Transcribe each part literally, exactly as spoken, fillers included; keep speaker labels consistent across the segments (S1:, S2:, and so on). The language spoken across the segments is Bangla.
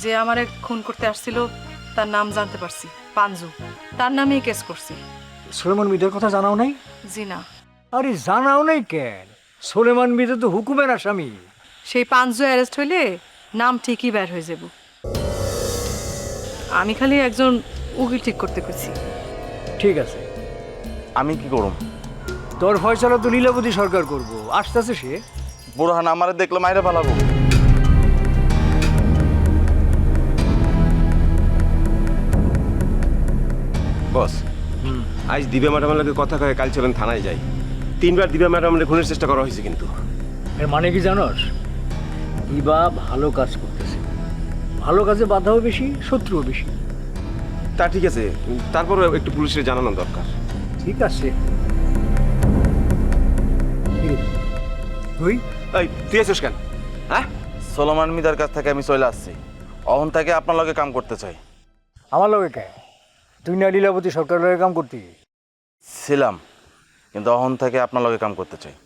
S1: যে আমারে খুন করতে আসছিল তার নাম জানতে পারছি, পাঞ্জু। তার নামেই কেস করছি।
S2: সুলেমান মির্জার কথা জানাও নাই?
S1: জি না।
S2: আরে জানাও নাই কেন? সুলেমান মির্জা তো হুকুমের আসামি।
S1: সেই পাঞ্জু অ্যারেস্ট হইলে নাম ঠিকই বের হয়ে যাব। আমি খালি একজন উকিল ঠিক করতে কইছি।
S2: ঠিক আছে,
S3: আমি কি করুম?
S2: তোর ফয়সালা তো লীলাবতী সরকার করবো, আসতেছে সে।
S3: বুরহান আমারে দেখলে মাইরে পালাবো।
S4: বস, আজ দিব্যা ম্যাডামের লগে কথা কয়ে কাল চলেন থানায় যাই। তিনবার দিব্যা ম্যাডামের খুনের চেষ্টা করা হয়েছে কিন্তু।
S2: এর মানে কি জানোস? ইবা ভালো কাজ করতেছে, ভালো কাজে বাধাও বেশি, শত্রুও বেশি।
S4: তা ঠিক আছে, তারপরও একটু পুলিশের জানানো দরকার।
S2: ঠিক আছে। তুই
S4: এই তুই আছিস কেন? হ্যাঁ,
S3: সোলোমান মিদার কাছ থেকে আমি চলে আসছি। অহন থেকে আপনার লগে কাম করতে চাই।
S2: আমার লগে কে? তুই না লীলাবতী সরকারের লগে কাম করতি?
S3: ছিলাম, কিন্তু অহন থেকে আপনার লগে কাম করতে চাই।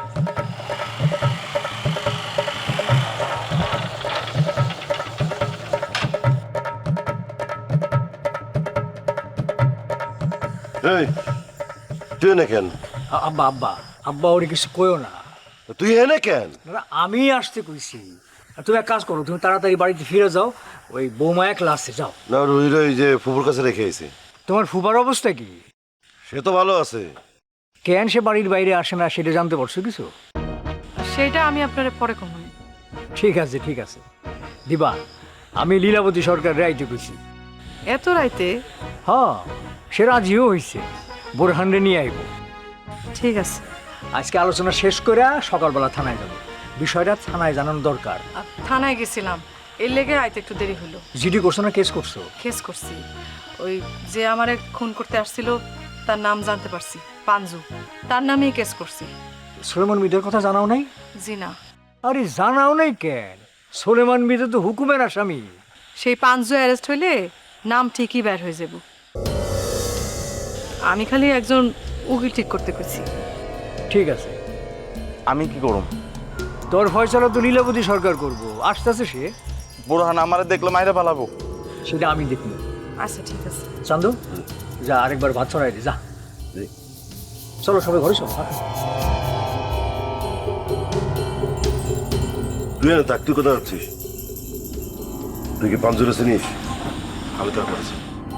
S5: এই তুই এনে কেন?
S2: আ- আব্বা আব্বা আব্বা ওরে কিছু কইও না।
S5: তুই এনে কেন?
S2: না, আমি আসতে কইছি। আর তুমি এক কাজ করো, তুমি তাড়াতাড়ি বাড়িতে ফিরে যাও, ওই বৌমা একলা আসছে, যাও।
S5: না রুই রই যে ফুপুর কাছে রেখে এসে।
S2: তোমার ফুবার অবস্থা কি?
S5: সে তো ভালো আছে।
S2: কেন সে বাড়ির বাইরে আসে না সেটা জানতে পারছো কিছু?
S1: সেইটা আমি আপনারে পরে কম।
S2: ঠিক আছে ঠিক আছে দিবা, আমি লীলাবতী সরকার রাইতে কইছি।
S1: এত রাইতে?
S2: হ্যাঁ, সে রাজিও হইছে, বোরহানরে নিয়ে আইব।
S1: ঠিক আছে।
S2: আজকে আলোচনা শেষ করে সকালবেলা থানায় যাবো, বিষয়টা থানায় জানানো দরকার।
S1: আর থানায় গেছিলাম, এর লেগে আইতে একটু দেরি হলো।
S2: জিডি করছো না কেস করছো?
S1: কেস করছি। ওই যে আমারে খুন করতে আসছিল তার নাম জানতে পারছি, পাঞ্জু। তার নামেই কেস করছি।
S2: সুলেমান মির্জার কথা জানাও নাই?
S1: জি না।
S2: আরে জানাও নাই কেন? সুলেমান মির্জা তো হুকুমের আসামি।
S1: সেই পাঞ্জু অ্যারেস্ট হইলে নাম ঠিকই বের হয়ে যাব। আমি খালি একজন উকিল ঠিক করতে কইছি।
S2: ঠিক আছে,
S3: আমি কি করুম?
S2: তোর ফয়সালা তো লীলাবতী সরকার করবো, আসতেছে সে।
S3: বুরহান আমারে দেখলে মাইরে পালাবো।
S2: সেটা আমি দেখি।
S1: আচ্ছা ঠিক আছে।
S2: চান্দু, যা আরেকবার ভাত ছড়াই দি, যা। চলো সবাই ঘরে চলো। হ্যাঁ।
S5: তুই এনে থাক, তুই কোথায় যাচ্ছিস? তুই কি পাঞ্জুরে চিনিস? আমি তো করেছি।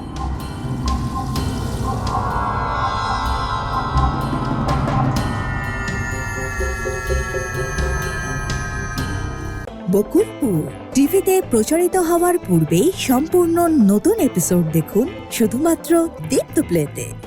S6: বকুলপুর টিভিতে প্রচারিত হওয়ার পূর্বেই সম্পূর্ণ নতুন এপিসোড দেখুন শুধুমাত্র দীপ্ত প্লেতে।